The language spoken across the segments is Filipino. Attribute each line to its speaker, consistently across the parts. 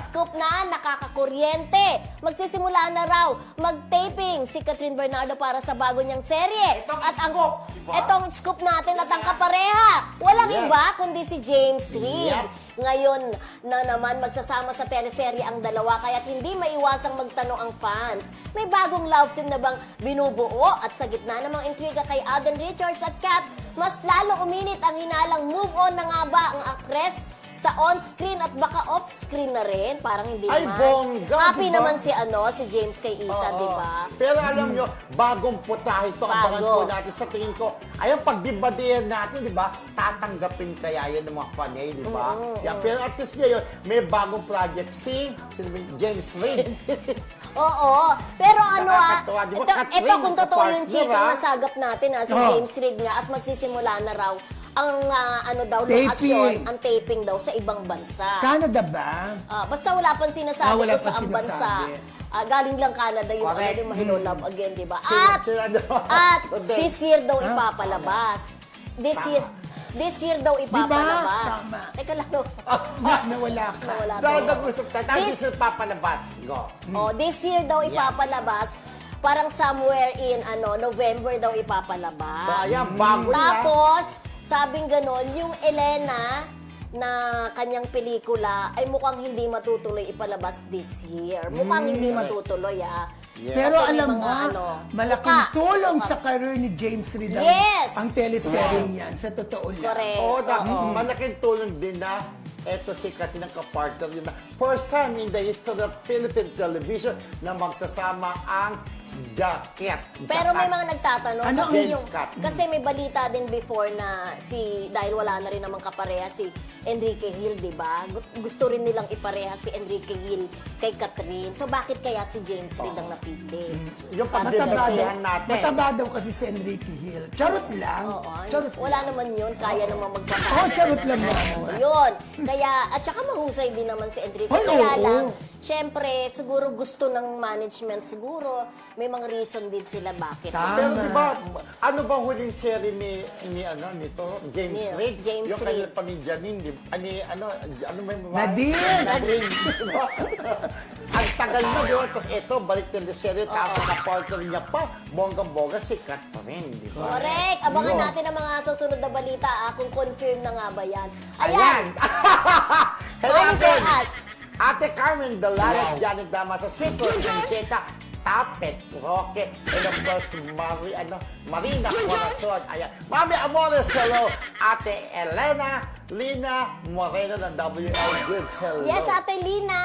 Speaker 1: scoop na, nakakakuryente. Magsisimula na raw mag-taping si Catherine Bernardo para sa bago niyang serye. Etong scoop natin at ang kapareha. Walang iba kundi si James Reid. Ngayon na naman magsasama sa teleserye ang dalawa kaya't hindi maiwasang magtanong ang fans. May bagong love team na bang binubuo? At sa gitna namang intriga kay Alden Richards at Kat, mas lalo uminit ang hinalang move on na nga ba ang actress sa on-screen at baka off-screen na rin. Parang hindi
Speaker 2: Ay,
Speaker 1: man.
Speaker 2: bongga,
Speaker 1: Happy
Speaker 2: diba?
Speaker 1: naman si James kay Isa, di ba?
Speaker 2: Pero alam nyo, bagong putahe ito. Abangan po natin sa tingin ko. Ayun, pagdibadihan natin, di ba? Tatanggapin kaya yan ng mga panay, di ba? Pero at least ngayon, may bagong project si James Reid.
Speaker 1: Oo. Pero ano
Speaker 2: Nakakatuwa, di ba? Catherine,
Speaker 1: ito kung totoo yung
Speaker 2: partner,
Speaker 1: chikang nasagap natin si James Reid nga at magsisimula na raw ang lokasyon, ang taping daw sa ibang bansa.
Speaker 3: Canada ba?
Speaker 1: Basta wala pang sinasabi
Speaker 3: Wala
Speaker 1: ko sa
Speaker 3: pang
Speaker 1: ang bansa.
Speaker 3: sinasabi.
Speaker 1: Galing lang Canada yung
Speaker 2: Correct.
Speaker 1: yung Hello Love Again, di ba?
Speaker 2: Sila
Speaker 1: At this year daw ipapalabas. This year daw ipapalabas.
Speaker 3: Tama.
Speaker 1: Teka lang daw.
Speaker 3: Nawala ka.
Speaker 1: Nawala daw.
Speaker 2: Dahil nag-usap tayo. Tapos sila papalabas. Go.
Speaker 1: This year daw ipapalabas. Parang somewhere in November daw ipapalabas.
Speaker 2: So, ayan, bago na.
Speaker 1: Tapos, sabing ganon, yung Elena na kanyang pelikula ay mukhang hindi matutuloy ipalabas this year. Mukhang hindi matutuloy,
Speaker 2: Yes.
Speaker 3: Pero
Speaker 1: Kasi may
Speaker 3: alam
Speaker 1: mga
Speaker 3: mo, malaking tulong sa career ni James Reid ang teleserye niyan. Sa totoo lang.
Speaker 1: Correct.
Speaker 2: Malaking tulong din na eto si Katina kapartner din na first time in the history of Philippine television na magsasama ang jacket.
Speaker 1: Pero may mga nagtatanong
Speaker 3: Ano
Speaker 1: kasi
Speaker 2: ang
Speaker 1: yung
Speaker 2: cut?
Speaker 1: kasi may balita din before na dahil wala na rin namang kapareha si Enrique Hill, 'di ba? Gusto rin nilang ipareha si Enrique Hill kay Catherine. So bakit kaya si James Reid ang napili?
Speaker 2: Yung
Speaker 3: Mataba
Speaker 2: pagdebatehan natin.
Speaker 3: Mataba daw kasi si Enrique Hill. Charot lang.
Speaker 1: Oo,
Speaker 3: Charot
Speaker 1: wala naman 'yun, kaya naman magpapalabas.
Speaker 3: Oo, charot lang naman.
Speaker 1: Yun. Kaya, at saka mahusay din naman si Enrique.
Speaker 3: Ay,
Speaker 1: Kaya
Speaker 3: oo.
Speaker 1: lang, syempre, siguro gusto ng management, siguro may mga reason din sila bakit.
Speaker 3: Tama.
Speaker 2: Pero di ba, ano ba huling serie nito? James Reid?
Speaker 1: James
Speaker 2: Yung
Speaker 1: Reid.
Speaker 2: kanya pa ni Janine, di ba? Ano may babae?
Speaker 3: Nadine!
Speaker 2: Nadine, di ba? Ang tagal na, di ba? Tapos ito, balik na yung serie, tapos na-partner niya pa, bonggang-bongga si Catherine, di ba?
Speaker 1: Correct. Abangan
Speaker 2: Yun.
Speaker 1: natin ang mga susunod na balita kung confirm na nga ba yan.
Speaker 2: Ayan!
Speaker 1: Ayan!
Speaker 2: Hello,
Speaker 1: Money for
Speaker 2: Ate.
Speaker 1: us.
Speaker 2: Ate Carmen Dalares, Janet Dama sa Sweet Concheta, Tapet, Roque, and of course, Marina Corazon. Ayan. Mami Amores, hello. Ate Elena Lina Moreno ng WL Goods, hello.
Speaker 1: Yes, Ate Lina.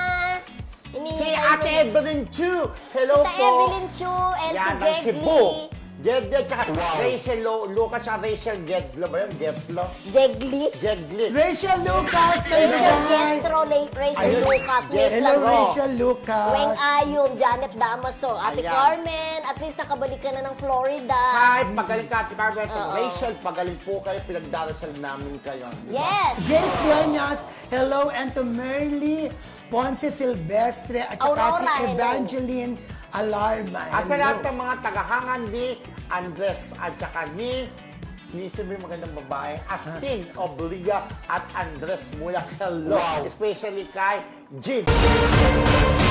Speaker 2: Si Ate Evelyn Chu, hello
Speaker 1: Ate
Speaker 2: po.
Speaker 1: Evelyn Chu and
Speaker 2: Yan,
Speaker 1: si
Speaker 2: ang Cebu.
Speaker 1: Jegli.
Speaker 2: Jedle, tsaka Rachel Lucas, Rachel Gedlo ba yun? Gedlo?
Speaker 1: Jegli.
Speaker 2: Jegli.
Speaker 3: Rachel Lucas!
Speaker 1: Rachel Jestro, Rachel
Speaker 2: Ayun,
Speaker 1: Lucas, Miss
Speaker 2: Yes,
Speaker 3: Hello,
Speaker 1: Laro.
Speaker 3: Rachel Lucas.
Speaker 1: Weng Ayum, Janet Damaso, Ate
Speaker 2: Ayan.
Speaker 1: Carmen, at least nakabalik ka na ng Florida.
Speaker 2: Kahit magaling ka, Ate Carmen,
Speaker 1: Oo.
Speaker 2: Rachel, pagaling po kayo, pinagdarasal namin kayo. Di ba?
Speaker 1: Yes!
Speaker 3: James Dueñas, hello, and to Merly Ponce Silvestre, at saka
Speaker 1: Aurora,
Speaker 3: si
Speaker 1: hello.
Speaker 3: Evangeline Alarma.
Speaker 2: At sa
Speaker 3: Hello.
Speaker 2: lahat ng mga tagahangan ni Andres at saka ni sabi magandang babae, Astin Obliga at Andres Mulak. Hello! Especially kay Jin.